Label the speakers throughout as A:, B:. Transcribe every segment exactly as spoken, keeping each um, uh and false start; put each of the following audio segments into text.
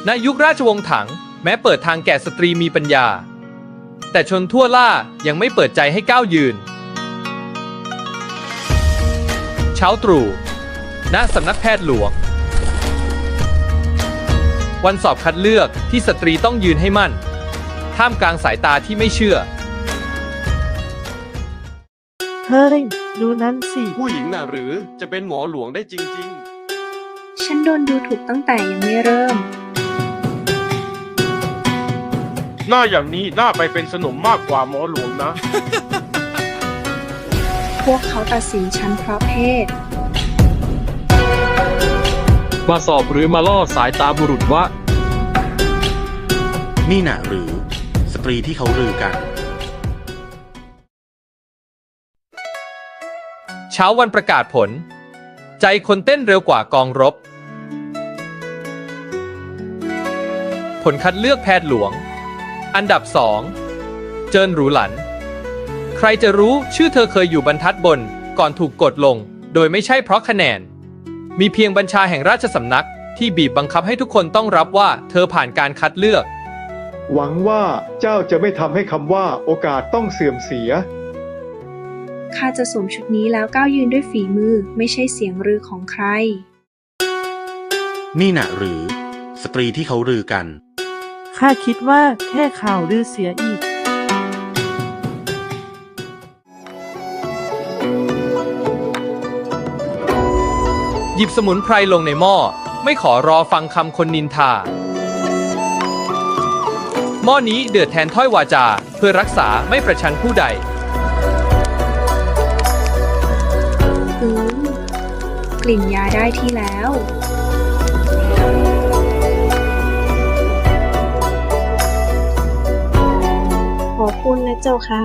A: ณยุคราชวงศ์ถังแม้เปิดทางแก่สตรีมีปัญญาแต่ชนทั่วล่ายังไม่เปิดใจให้ก้าวยืนเช้าตรู่ณสำนักแพทย์หลวงวันสอบคัดเลือกที่สตรีต้องยืนให้มั่นท่ามกลางสายตาที่ไม่เชื่อ
B: เฮ้ยดูนั้นสิ
C: ผู้หญิงน่ะหรือจะเป็นหมอหลวงได้จริงๆ
D: ฉันโดนดูถูกตั้งแต่ยังไม่เริ่ม
E: หน้าอย่างนี้น่าไปเป็นสนมมากกว่าหมอหลวงนะ
D: พวกเขาตัดสินฉันเพราะเพศ
F: มาสอบหรือมาล่อสายตาบุรุษวะ
G: นี่น่ะหรือสตรีที่เขาลือกัน
A: เช้าวันประกาศผลใจคนเต้นเร็วกว่ากองรบผลคัดเลือกแพทย์หลวงอันดับสองเจินหรูหลันใครจะรู้ชื่อเธอเคยอยู่บรรทัดบนก่อนถูกกดลงโดยไม่ใช่เพราะคะแนนมีเพียงบัญชาแห่งราชสำนักที่บีบบังคับให้ทุกคนต้องรับว่าเธอผ่านการคัดเลือก
H: หวังว่าเจ้าจะไม่ทำให้คำว่าโอกาสต้องเสื่อมเสีย
D: ข้าจะสวมชุดนี้แล้วก้าวยืนด้วยฝีมือไม่ใช่เสียงรือของใคร
G: นี่น่ะหรือสตรีที่เขาลือกัน
B: ข้าคิดว่าแค่ข่าวลือเสียอีก
A: หยิบสมุนไพรลงในหม้อไม่ขอรอฟังคำคนนินทาหม้อนี้เดือดแทนถ้อยวาจาเพื่อรักษาไม่ประชันผู้ใด
D: อืมกลิ่นยาได้ที่แล้วขอบคุณนะเจ้าค่ะ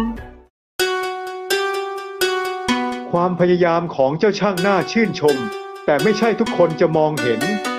H: ความพยายามของเจ้าช่างน่าชื่นชมแต่ไม่ใช่ทุกคนจะมองเห็น